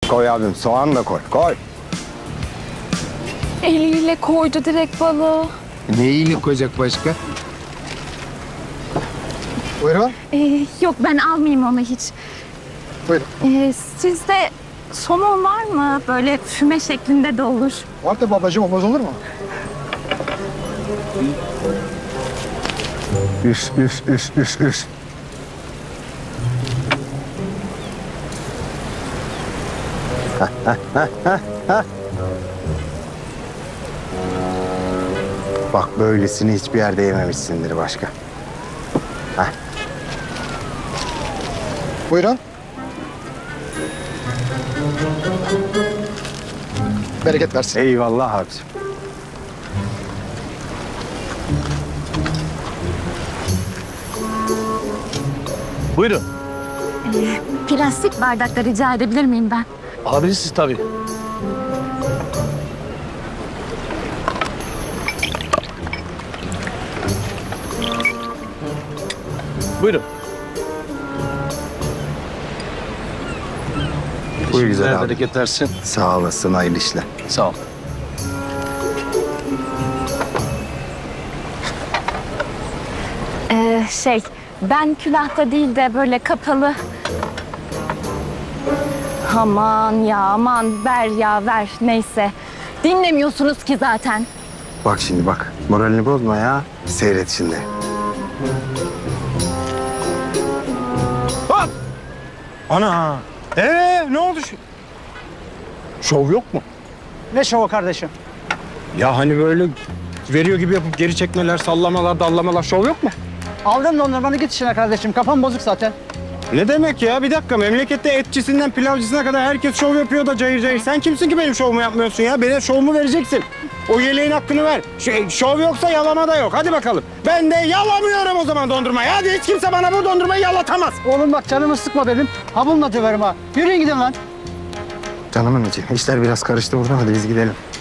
Koy abim, soğan da koy. Koy. Eliyle koydu direkt balığı. Neyiyle koyacak başka? Buyurun. Yok ben almayayım onu hiç. Buyurun. Sizde somon var mı? Böyle füme şeklinde de olur. Var da babacığım, olmaz olur mu? Üf. Bak böylesini hiçbir yerde yememişsindir başka. Buyurun. Bereket versin. Eyvallah abicim. Buyurun. Plastik bardakta rica edebilir miyim ben? Alabilirsiniz tabii. Buyurun. Buyur güzel abi. Bereket versin. Sağ olasın, hayırlı işler. Sağ ol. Ben külahta değil de böyle kapalı. Aman ya aman ver ya ver neyse. Dinlemiyorsunuz ki zaten. Bak şimdi bak, moralini bozma ya. Seyret şimdi. Hop! Ana! Ne oldu şu? Şov yok mu? Ne şovu kardeşim? Ya hani böyle veriyor gibi yapıp geri çekmeler, sallamalar, dallamalar şov yok mu? Aldın dondurmanı git işine kardeşim. Kafam bozuk zaten. Ne demek ya? Bir dakika, memlekette etçisinden pilavcısına kadar herkes şov yapıyor da cayır cayır. Sen kimsin ki benim şovumu yapmıyorsun ya? Benim şovumu vereceksin. O yeleğin hakkını ver. Şov yoksa yalama da yok. Hadi bakalım. Ben de yalamıyorum o zaman dondurmayı. Hadi hiç kimse bana bu dondurmayı yalatamaz. Oğlum bak canımı sıkma benim. Ha bununla döverim ha. Yürüyün gidin lan. Canımın içi. İşler biraz karıştı burada. Hadi biz gidelim.